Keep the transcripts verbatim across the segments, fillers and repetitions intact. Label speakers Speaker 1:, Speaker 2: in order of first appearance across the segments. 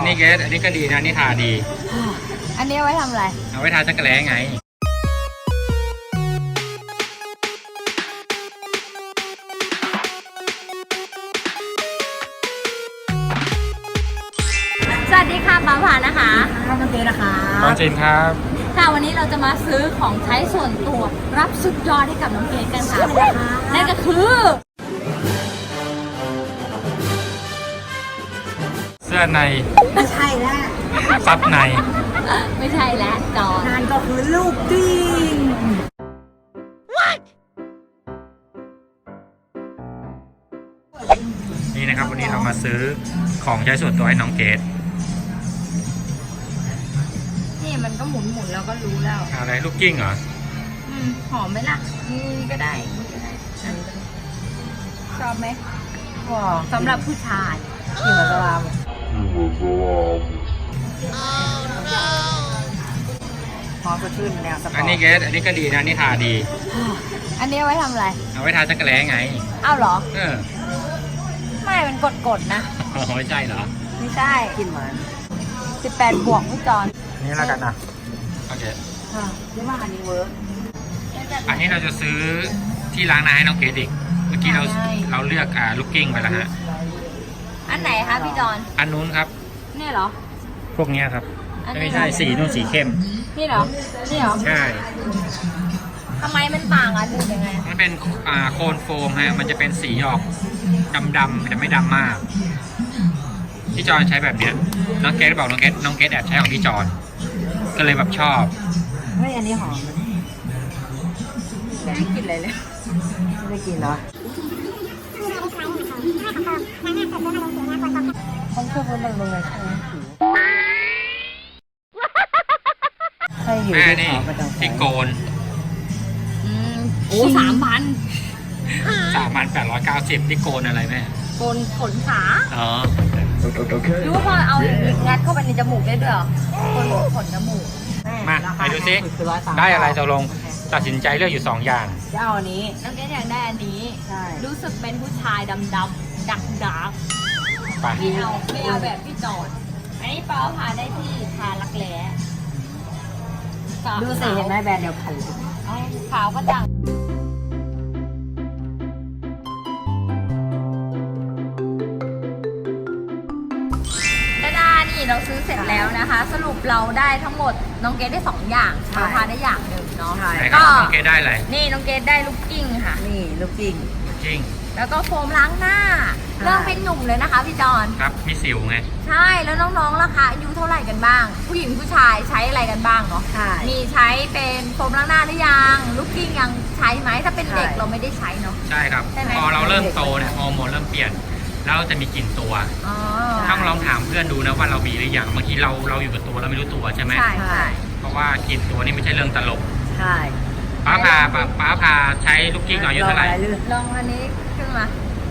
Speaker 1: นนี้เกสอันนี้ก็ดีนะนี่ทาดี
Speaker 2: อันนี้เอาไว้ทำอะไร
Speaker 1: เอาไว้ทาจักรแล้ไง
Speaker 2: สวัสดีค่ะป้าผานะคะน้องเกดนะคะ
Speaker 1: น้องจินครับ
Speaker 2: ค่ะวันนี้เราจะมาซื้อของใช้ส่วนตัวรับสุดยอดให้กับน้องเกดกันค่ะนั่นก็คือ
Speaker 1: เสื้อใน
Speaker 3: ไม่ใช่แล้ว
Speaker 1: ซับใน
Speaker 2: ไม่ใช่แล้วจอ
Speaker 3: นั่นก็คือลูกกิ้ง
Speaker 1: นี่นะครับวันนี้เรามาซื้อของใช้ส่วนตัวให้น้องเกด
Speaker 2: นี่มันก็หมุนหมุนแล้วก็รู้แล้ว
Speaker 1: อะไรลูกกิ้งเหรอ
Speaker 2: อืมหอมไหมล่ะนี่ก็ได้ชอบไหมสำหรับผู้ชาย
Speaker 3: กินเหมือนสลามพอสดชื่นแนวสปอร์ต
Speaker 1: อันนี้เกสอันนี้ก็ดีนะนี่ทาดี
Speaker 2: อันนี้เอาไว้ทำอะไร
Speaker 1: เอาไว้ทาจักรแล้ไง
Speaker 2: อ้าวเหรอ
Speaker 1: เออ
Speaker 2: ไม่มันกดๆนะ
Speaker 1: ไม่ใช่เหรอ
Speaker 2: ไม่ใช่
Speaker 3: กินเหมือน
Speaker 2: สิบแปดบวกพี่จอน
Speaker 1: นี่แล้วกันนะโอเค
Speaker 3: ค่ะเรียกว่าอันนี้เวิร์ก
Speaker 1: อันนี้เราจะซื้อที่ล้างหน้าให้น้องเกดอีกเมื่อกี้เราเราเลือกอ่าลูกกิ้งไปแล้วฮะ
Speaker 2: อันไหนคะพี่จอน
Speaker 1: อันนู้นครับ
Speaker 2: นี่เหรอ
Speaker 1: พวกนี้ครับไม่ใช่สีนู่นสีเข้ม
Speaker 2: นี่เหรอนี่เหรอ
Speaker 1: ใช่
Speaker 2: ทำไมมันต่างกันดูยังไง
Speaker 1: มันเป็นอ่าโคนโฟมฮะมันจะเป็นสีออกดำๆแต่ไม่ดำมากพี่จอนใช้แบบเนี้ยน้องเกดบอกน้องเกดน้องเกดแอบใช้ของพี่จอนก็เลยแบบชอบ
Speaker 3: เฮ้ยอันนี้หอม
Speaker 2: ไม่ได้กินอะไรเลย
Speaker 3: ไม่ได้กินเหรอเขาเชื่อว่ามันลงในช่องใช่อยู่ที่เขาประจำ
Speaker 1: ที่โกน
Speaker 2: โอ้สามพัน
Speaker 1: สามพันแปดร้อยเก้าสิบที่โกนอะไรแม่
Speaker 2: โกนขนขา
Speaker 1: อ๋อ
Speaker 2: รู้ว่าพอเอาอย่างนี้งัดเข้าไปในจมูกได้ด้วยเหรอโกนขนจมูก
Speaker 1: มาไปดูซิได้อะไรจะลงตัดสินใจเลือกอยู่สองอย่าง
Speaker 3: จะเอาอันนี้
Speaker 2: น้องเกดอยากได้อันนี้รู้สึกเป็นผู้ชายดำดำดักดักไม่เอาไม่เอาแบบพี่จอดอันนี้เปล่าพาได้ที่ทาลักแร้
Speaker 3: ดูสิเห็นไหมแบรนด์เดียวกัน
Speaker 2: ขาวก็จังเราซื้อเสร็จแล้วนะคะสรุปเราได้ทั้งหมดน้องเกดได้สองอย่างเราทานได้อย่างหนึ่งเนาะ
Speaker 1: ก็น้องเกดได้อะไร
Speaker 2: นี่น้องเกดได้ลูกกิ้งค่ะ
Speaker 3: นี่ลูกกิ้ง
Speaker 1: กิ้ง
Speaker 2: แล้วก็โฟมล้างหน้าเริ่มเป็นหนุ่มเลยนะคะพี่จอน
Speaker 1: ครับมีสิวไง
Speaker 2: ใช่แล้วน้องๆล่ะคะอายุเท่าไหร่กันบ้างผู้หญิงผู้ชายใช้อะไรกันบ้างเนาะมีใช้เป็นโฟมล้างหน้าหรือยังลูกกิ้งยังใช้ไหมถ้าเป็นเด็กเราไม่ได้ใช้เนาะ
Speaker 1: ใช่ครับพอเราเริ่มโตเนี่ยฮอร์โมนเริ่มเปลี่ยนแล้วจะมีกลิ่นตัวต้องลองถามเพื่อนดูนะว่าเรามีหรือยังบางทีเราเราอยู่กับตัวเราไม่รู้ตัวใช่ไหม
Speaker 2: ใช่ใช่
Speaker 1: เพราะว่ากลิ่นตัวนี่ไม่ใช่เรื่องตลก
Speaker 3: ใช่
Speaker 1: ป้าพาป้าป้าพาใช้ลูกกิ้งอายุเท่าไหร่
Speaker 2: ลองอันนี้ขึ้นมา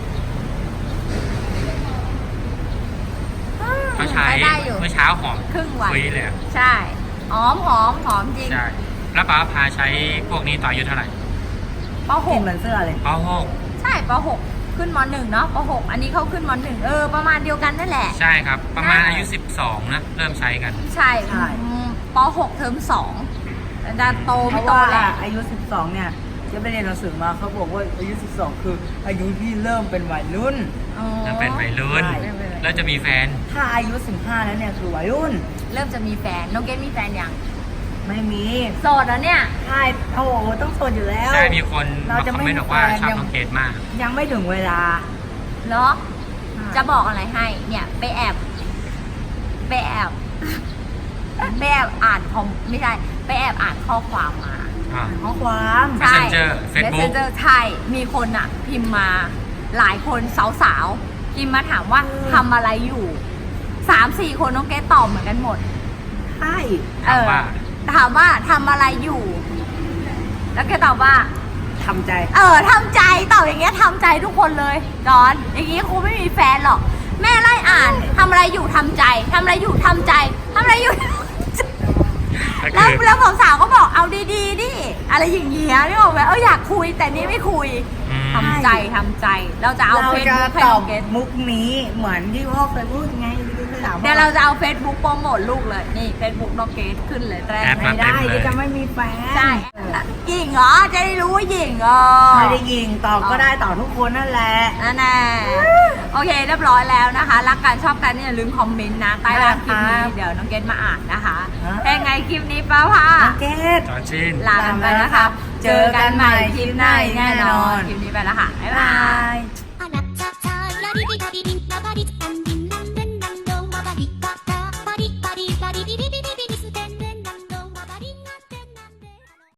Speaker 1: เขาใช้เมื่อเช้าหอม
Speaker 2: ครึ่งวัน
Speaker 1: คุยเลย
Speaker 2: ใช่หอมหอมหอมจริง
Speaker 1: ใช่แล้วป้าพาใช้พวกนี้ตอนอายุเท่าไหร่
Speaker 2: ป.หก
Speaker 3: เหมือนเสื้อเลย
Speaker 1: ป.หก
Speaker 2: ใช่ป.หกขึ้นม.หนึ่งเนาะป.หกอันนี้เขาขึ้นม.หนึ่งเออประมาณเดียวกันนั่นแหละ
Speaker 1: ใช่ครับประมาณอายุสิบสองนะเริ่มใช้กัน
Speaker 2: ใช่ใช่ป.หกเทอมสองแต่โตไม่โตแหละ
Speaker 3: อายุสิบสองเนี่ยที่ไปเรียนหนังสือมาเขาบอกว่าอายุสิบสองคืออายุที่เริ่มเป็นวัยรุ่น
Speaker 1: เริ่มเป็นวัยรุ่นแล้วจะมีแฟน
Speaker 3: ถ้าอายุสิบห้าแล้วเนี่ยคือวัยรุ่น
Speaker 2: เริ่มจะมีแฟนน้องเกดมีแฟนยัง
Speaker 3: ไม่มี
Speaker 2: โสดแล้วเนี่ย
Speaker 3: ใช่โอ้โหต้องโสดอยู่แล้ว
Speaker 1: ใช่มีคนเราจะไม่บอกว่าชอบน้องเกดมาก
Speaker 3: ยังไม่ถึงเวลา
Speaker 2: เหรอจะบอกอะไรให้เนี่ยไปแอบไปแอบไปแอบอ่านคอมไม่ใช่ไปแอบอ่านข้อความมา
Speaker 3: ข้อความ
Speaker 2: ใช่
Speaker 1: Messenger
Speaker 2: ใช่มีคนอ่ะพิมพ์มาหลายคนสาวๆพิมพ์มาถามว่าทำอะไรอยู่สามสี่คนน้องเกดตอบเหมือนกันหมด
Speaker 3: ใช่
Speaker 1: ถามว่า
Speaker 2: ถามว่าทำอะไรอยู่แล้วแกตอบว่า
Speaker 3: ทำใจ
Speaker 2: เออทำใจตอบอย่างเงี้ยทำใจทุกคนเลยจอนอย่างงี้คงไม่มีแฟนหรอกแม่ไล่อ่านทำอะไรอยู่ทำใจทำอะไรอยู่ทำใจทำอะไรอยู่แล้วแล้วสาวๆก็บอกเอาดีๆดิอะไรอย่างเงี้ยนี่บอกว่าเอออยากคุยแต่นี่ไม่คุยทำใจทำใจเราจะเอา
Speaker 3: เฟซบุ๊กให้น้องเกดมุกนี้เหมือนที่พ่อเคยพูดไงถาม
Speaker 2: เดี๋ยวเราจะเอา Facebook โปรโมทลูกเลย นี่ Facebook น้องเกดขึ้นเลยแรก
Speaker 1: แอป
Speaker 3: ไม่ได้เดี๋ยวจะไม่มีแฟน
Speaker 2: ใช่หญิงเหรอ จะได้รู้ว่าหญิงเหรอ
Speaker 3: ไม่ได้ยิงตอบก็ได้ตอบทุกคนนั่นแหละ
Speaker 2: นั่นแน่โอเคเรียบร้อยแล้วนะคะ รักกันชอบกันเนี่ยอย่าลืมคอมเมนต์นะใต้ล่างคลิปนี้เดี๋ยวน้องเกดมาอ่านนะคะ
Speaker 3: ฮะ
Speaker 2: เป็นไงคลิปนี้ป้าพ่า
Speaker 3: น้องเกด
Speaker 1: จอนชิน
Speaker 2: ลากันไปนะคะ เจอกันใหม่คลิปหน้าแน่นอน คลิปนี้ไปแล้วค่ะ บ๊ายบาย
Speaker 3: ย